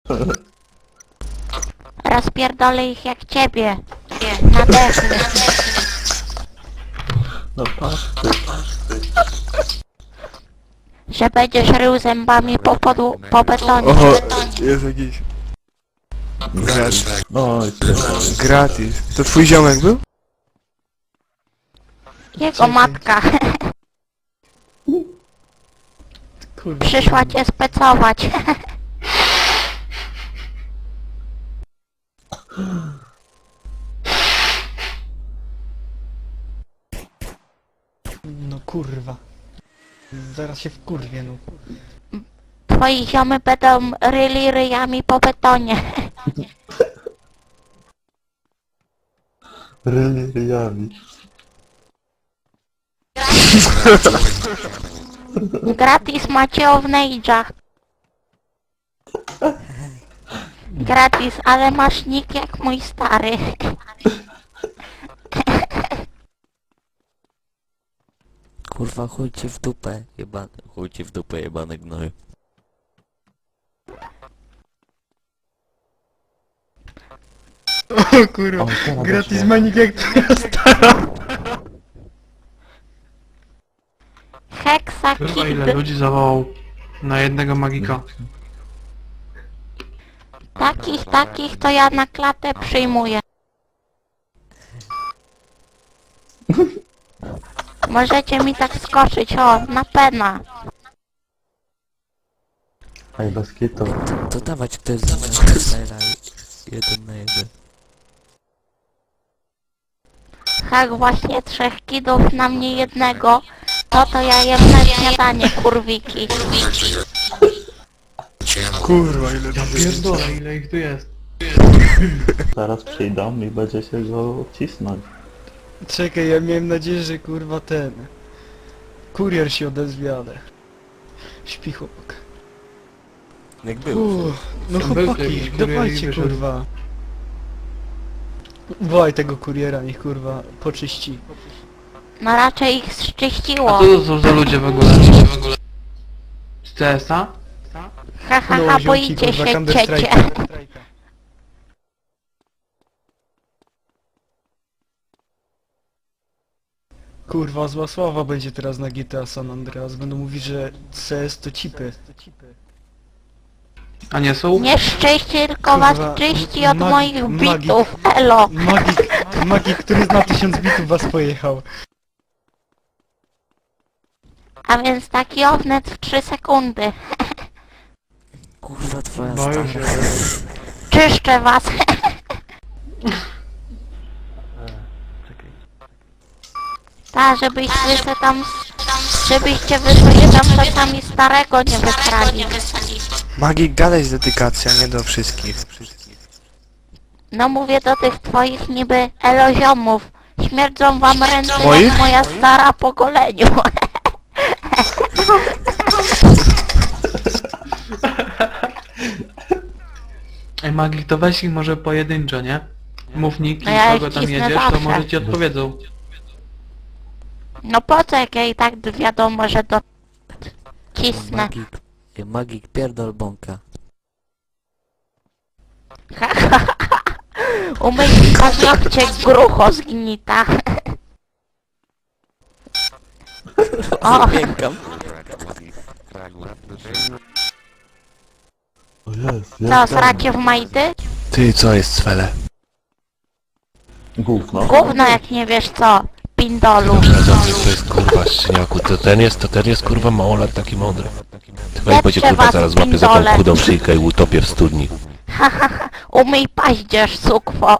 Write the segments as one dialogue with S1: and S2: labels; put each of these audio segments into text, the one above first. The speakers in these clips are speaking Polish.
S1: Rozpierdolę ich jak ciebie. Na dechy.
S2: No patrz ty.
S1: Że będziesz rył zębami po betonie.
S3: Oho, jest jakiś...
S2: No i tyle.
S3: Gratis. To twój ziomek był?
S1: Jego matka
S4: Kurwa.
S1: przyszła cię specować.
S4: No kurwa. Zaraz się wkurwię, no.
S1: Twoi ziomy będą ryli ryjami po betonie.
S2: Ryjami.
S1: Gratis macie of Nage'a. Gratis, ale masz nick jak mój stary.
S5: Kurwa, chuj ci w dupę, jebany. Chuj ci w dupę, jebany gnoju.
S4: O kurwa.
S2: O, teraz
S4: Gratis
S2: weszło.
S4: manik jak twoja stara.
S1: Hexa
S6: Kurwa, ile
S1: Kid.
S6: ludzi zawołał na jednego magika.
S1: Takich to ja na klatę przyjmuję. Możecie mi tak skoczyć, o, na pena.
S2: Ej, bez kitu.
S5: To dawać ktoś za mną. 1 na 1.
S1: Tak właśnie 3 kidów na mnie jednego. To ja jem na śniadanie, kurwiki.
S3: Kurwa, ile
S6: Ja pierdolę, ile ich tu jest.
S2: Zaraz przyjdą i będzie się go cisnąć.
S4: Czekaj, ja miałem nadzieję, że kurwa ten... Kurier się odezwie, ale... Śpi chłopak.
S5: Jak był.
S4: No
S6: Był tu
S4: chłopaki,
S6: jakiś kurier i
S4: dawajcie
S6: wyszedł.
S4: kurwa. Wołaj tego kuriera, niech kurwa poczyści.
S1: No raczej ich
S6: A
S1: zczyściło.
S6: co to są za ludzie w ogóle? Z CS-a?
S1: Ha ha
S4: No,
S1: ha,
S4: ziomki,
S1: boicie
S4: kurwa,
S1: się
S4: Counter
S1: ciecie.
S4: Strike'a. Kurwa, zła sława będzie teraz na GTA San Andreas. Będą mówić, że CS to cipy.
S6: A nie są?
S1: Nie szczęście, tylko was
S4: Kurwa,
S1: czyści od moich
S4: magik.
S1: bitów. Elo.
S4: Magik, który zna 1000 bitów was pojechał.
S1: A więc taki ownet w 3 sekundy.
S5: Kurwa, twoja
S6: Boję
S5: stara.
S6: się.
S1: Czyszczę was. Ta, żebyście wy sobie tam czasami starego nie wykrali.
S3: Magik, gadaj z dedykacją, nie do wszystkich.
S1: No mówię do tych twoich niby eloziomów. Śmierdzą wam ręce
S3: Moich?
S1: jak moja stara po goleniu.
S6: Ej, magik, to weź ich może pojedynczo, nie? Mów nick
S1: No
S6: i
S1: ja
S6: kogo
S1: ich
S6: tam
S1: cisnę
S6: jedziesz, to
S1: zawsze.
S6: może ci odpowiedzą.
S1: No po co, jak ja i tak wiadomo, że to cisnę.
S5: Magik. Magik, pierdol bąka.
S1: Umyj paznokcie, grucho zgnita. O,
S5: Piękam.
S2: O jest,
S1: co, sracie w majty?
S3: Ty, co jest cwele?
S2: Gówno.
S1: Gówno jak nie wiesz co, pindolu.
S7: Radownik to jest kurwa szczeniaku, to ten jest kurwa małolat taki mądry. Ty weź będzie kurwa
S1: was,
S7: zaraz złapie za tą
S1: pindole.
S7: chudą szyjkę i utopię w studni.
S1: Umyj paździerz, sukwo.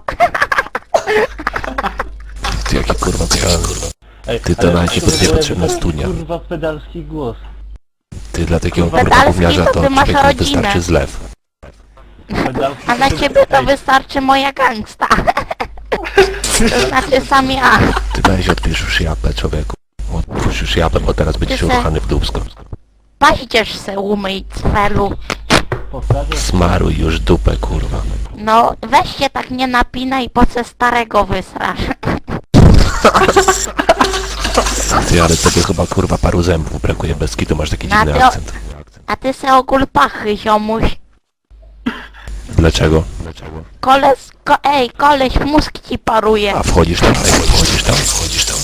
S7: Ty jaki kurwa pijan.
S2: Ej,
S7: Ty to
S2: ale
S7: nawet ci
S2: kurde,
S7: niepotrzebna
S2: ten,
S7: studnia.
S2: Kurwa pedalski głos.
S7: Ty dla takiego
S1: Pedalski
S7: kurwa gówniarza
S1: to
S7: to
S1: ty masz
S7: człowieku
S1: rodzinę.
S7: wystarczy zlew.
S2: Pedalski
S1: A na ciebie to wystarczy moja gangsta. To znaczy sam ja.
S7: Ty weź odpisz już japę człowieku. Odpisz już japę, bo teraz będziesz
S1: Ty se-
S7: ruchany w dupsko.
S1: Paździerz se umyj, cwelu.
S2: powtarza.
S7: Smaruj już dupę kurwa.
S1: No, weź się tak nie napinaj, po co starego wysrasz.
S7: Ty ale tobie chyba kurwa paru zębów brakuje bez kitu, masz taki
S1: Na
S7: dziwny
S1: to-
S7: akcent.
S1: A ty se ogól pachy, ziomuś.
S7: Dlaczego?
S1: Koleś mózg ci paruje.
S7: A wchodzisz tam? Wchodzisz tam? Wchodzisz tam?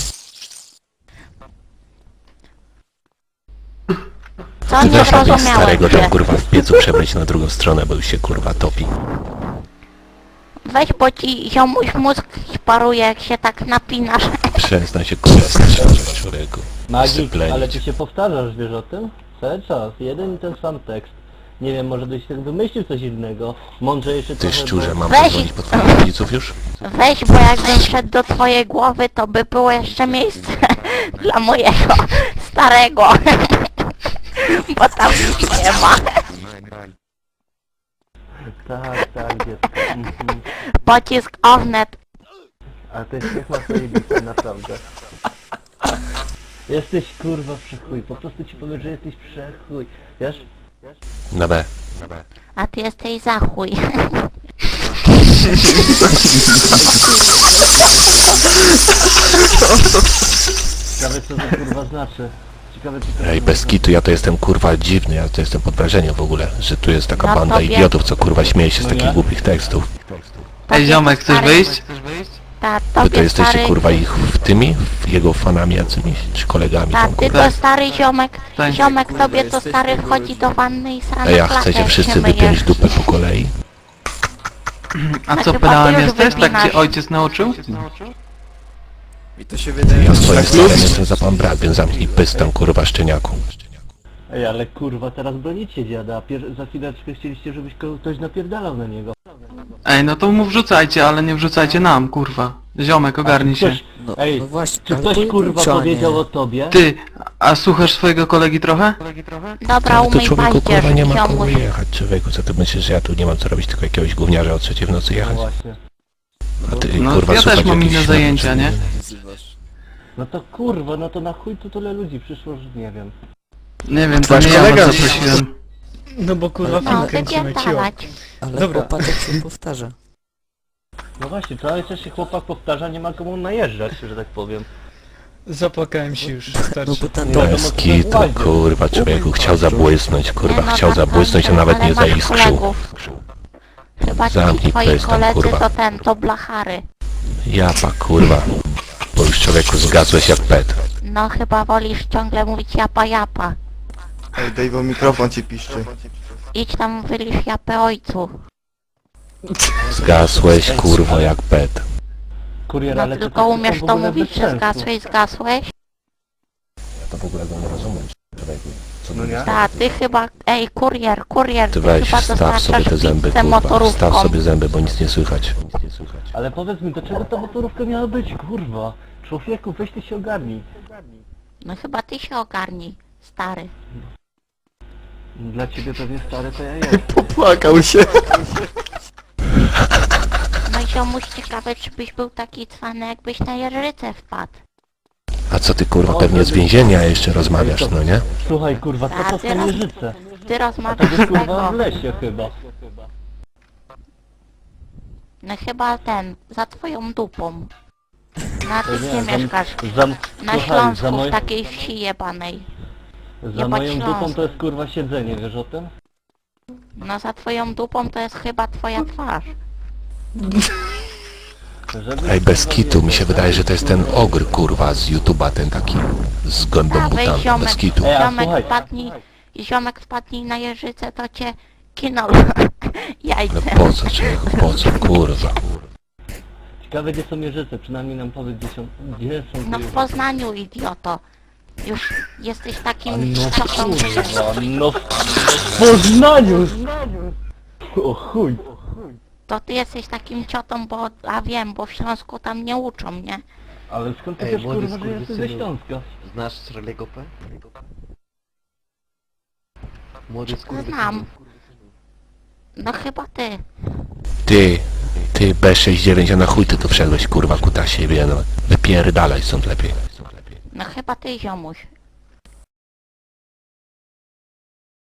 S1: Co
S7: Ty
S1: nie
S7: weź nawet
S1: zrozumiałem
S7: starego tam
S1: się.
S7: kurwa w piecu przebrać na drugą stronę, bo już się kurwa topi.
S1: Weź, bo ci ziomuś mózg ci paruje, jak się tak napinasz.
S7: Przestań się kurwa strzelać, człowieku.
S2: Magik,
S7: Syplenić.
S2: ale ty się powtarzasz, wiesz o tym? Cały czas, jeden i ten sam tekst. Nie wiem, może byś tak wymyślił coś innego. Mądrzejszy
S7: Ty
S2: trochę,
S7: szczurze,
S2: bo-
S7: mam
S1: Weź-
S7: pozwolić po twoich rodziców już?
S1: Weź, bo jakbym wszedł do twojej głowy, to by było jeszcze miejsce dla mojego starego. Bo tam nic nie ma.
S2: Tak, dziecko. Mhm.
S1: Pocisk Ornet.
S2: A ten śmiech ma swoje bity, naprawdę. Jesteś kurwa przechuj, po prostu ci powiem, że jesteś przechuj. Wiesz?
S7: Na B.
S1: A ty jesteś za chuj.
S2: Ciekawe co to kurwa znaczy. Ciekawe co to
S7: Ej, bez kitu, ja to jestem kurwa dziwny, ja to jestem pod wrażeniem w ogóle, że tu jest taka
S1: No
S7: banda
S1: tobie-
S7: idiotów, co kurwa śmieje się z
S2: No
S7: takich
S2: nie?
S7: głupich tekstów.
S6: Ej, ziomek, chcesz
S1: stary-
S6: wyjść?
S1: Ta,
S7: Wy
S1: tobie
S7: to jesteście
S1: stary...
S7: kurwa ich w tymi, jego fanami jacymiś, czy kolegami
S1: Ta,
S7: tam
S1: ty
S7: kurwa.
S1: to stary ziomek.
S6: Tak.
S1: Ziomek tobie to stary wchodzi do wanny i sam
S7: Ej, a chcecie wszyscy wypiąć dupę po kolei?
S6: A co,
S1: Znaczy,
S6: pedałem
S1: papież
S6: jesteś? Tak
S1: wypinasz.
S6: cię ojciec nauczył?
S3: Mi to się wydaje,
S7: Ja z twoim starym jestem za pan brat, więc zamknij pystem kurwa szczeniaku.
S2: Ej, ale kurwa, teraz bronicie dziada, a za chwileczkę chcieliście, żebyś ktoś napierdalał na niego.
S6: Ej, no to mu wrzucajcie, ale nie wrzucajcie nam, kurwa. Ziomek, ogarnij się.
S2: Ktoś,
S5: No,
S2: ej,
S5: no właśnie,
S2: czy
S5: ale
S2: ktoś kurwa
S5: pojedynczo,
S2: powiedział
S5: nie.
S2: o tobie?
S6: Ty, a słuchasz swojego kolegi trochę?
S1: Dobra,
S7: Ale to
S1: umyj
S7: człowieku kurwa
S1: paździerz,
S7: nie ma kogo
S1: ziomuś.
S7: jechać, człowieku, co ty myślisz, że ja tu nie mam co robić, tylko jakiegoś gówniarza o 3 w nocy
S2: No
S7: jechać?
S2: właśnie.
S7: A ty
S6: No,
S7: kurwa
S6: ja też
S7: słuchać
S6: mam
S7: jakichś
S6: inne zajęcia, nie?
S2: No to kurwa, no to na chuj tu tyle ludzi przyszło, że nie wiem.
S6: Nie wiem, to
S3: Wasz
S6: nie ja
S3: kolega-
S6: was zaprosiłem.
S4: No bo kurwa
S1: No,
S4: film kręcimy, cio.
S1: wypierdalać.
S5: Ale
S4: Dobra.
S5: chłopatek się powtarza.
S2: No właśnie, cały czas się chłopak powtarza, nie ma komu najeżdżać, że tak powiem.
S4: Zapłakałem się już,
S5: No
S4: starszy.
S5: bo tam
S2: No, to
S7: Bez
S2: mocno
S7: kitu,
S2: gładzie.
S7: kurwa, człowieku chciał zabłysnąć, kurwa,
S1: Nie, no
S7: chciał
S1: tak,
S7: zabłysnąć, a
S1: dobrze,
S7: nawet
S1: ale
S7: nie
S1: masz
S7: zaiskrzył.
S1: kolegów. Chyba ci
S7: Zamknij
S1: twoi
S7: pystem,
S1: koledzy
S7: kurwa.
S1: to ten, to blachary.
S7: Japa, kurwa, bo już człowieku zgasłeś jak pet.
S1: No chyba wolisz ciągle mówić japa japa.
S3: Ej, Dave'o, mikrofon ci piszczy.
S1: Idź tam wylisz japę ojcu.
S7: Zgasłeś, kurwa, jak pet.
S2: Kurier,
S1: No
S2: ale
S1: tylko
S2: to tak
S1: umiesz
S2: w
S1: to
S2: ogóle
S1: mówić,
S2: bez
S1: że
S2: sensu.
S1: zgasłeś?
S7: Ja to w ogóle go nie rozumiem, człowieku. Co
S2: No nie?
S1: Ta, ty chyba, ej, kurier,
S7: Ty
S1: ty
S7: weź,
S1: chyba
S7: staw sobie
S1: dostarczasz
S7: te zęby,
S1: pizzę
S7: kurwa,
S1: motorówką.
S7: staw sobie zęby, bo nic nie słychać.
S2: Ale powiedz mi, do czego ta motorówka miała być, kurwa? Człowieku, weź ty się ogarnij.
S1: No chyba ty się ogarnij, stary.
S2: Dla ciebie pewnie stary to ja jestem.
S3: Popłakał się.
S1: No i ziomuś, ciekawe, czy byś był taki cwany, jakbyś na jeżycę wpadł.
S7: A co ty, kurwa, pewnie z więzienia jeszcze rozmawiasz, no nie?
S2: Słuchaj, kurwa, co to
S1: A,
S2: są
S1: teraz-
S2: jeżyce?
S1: Ty
S2: A to
S1: rozmawiasz
S2: jest
S1: z
S2: kurwa
S1: tego.
S2: w lesie chyba.
S1: No chyba ten, za twoją dupą. Na ty
S2: Nie,
S1: nie
S2: za-
S1: mieszkasz.
S2: Za,
S1: Na
S2: słuchaj,
S1: Śląsku,
S2: za,
S1: w takiej wsi jebanej.
S2: za
S1: jebać
S2: moją
S1: Śląsk.
S2: dupą to jest kurwa siedzenie, wiesz o tym?
S1: No za twoją dupą to jest chyba twoja twarz.
S2: Żeby,
S7: Ej, bez
S2: kurwa,
S7: kitu, mi
S2: wiedzieć,
S7: się wydaje, że to jest ten ogr, kurwa, z YouTube'a, ten taki z gębą
S1: A weź
S7: butami,
S1: ziomek,
S7: bez kitu.
S2: Ej, a
S1: ziomek
S2: słuchaj.
S1: wpadnij na jeżycę, to cię kinął jajce.
S7: No po co, człowieku, po co, kurwa.
S2: Ciekawe gdzie są jeżyce, przynajmniej nam powiedz gdzie są te
S1: No w
S2: jeżyce.
S1: Poznaniu, idioto. Już jesteś takim
S2: No
S1: ciotą, że...
S2: kurwa, no w Poznaniu! O chuj!
S1: To ty jesteś takim ciotą, bo... A wiem, bo w Śląsku tam nie uczą, nie?
S2: Ale skąd ty
S8: Ej,
S2: wiesz
S8: młody
S2: kurwa, że jesteś ze
S8: skurwysynu.
S2: Śląska?
S8: Znasz Charlie'ego P? Młody skurwysynu.
S1: Znam. No chyba ty.
S7: Ty, B69, a na chuj ty tu wszedłeś, kurwa, kuta siebie, no. Wypierdalaj stąd lepiej.
S1: No chyba ty, ziomuś.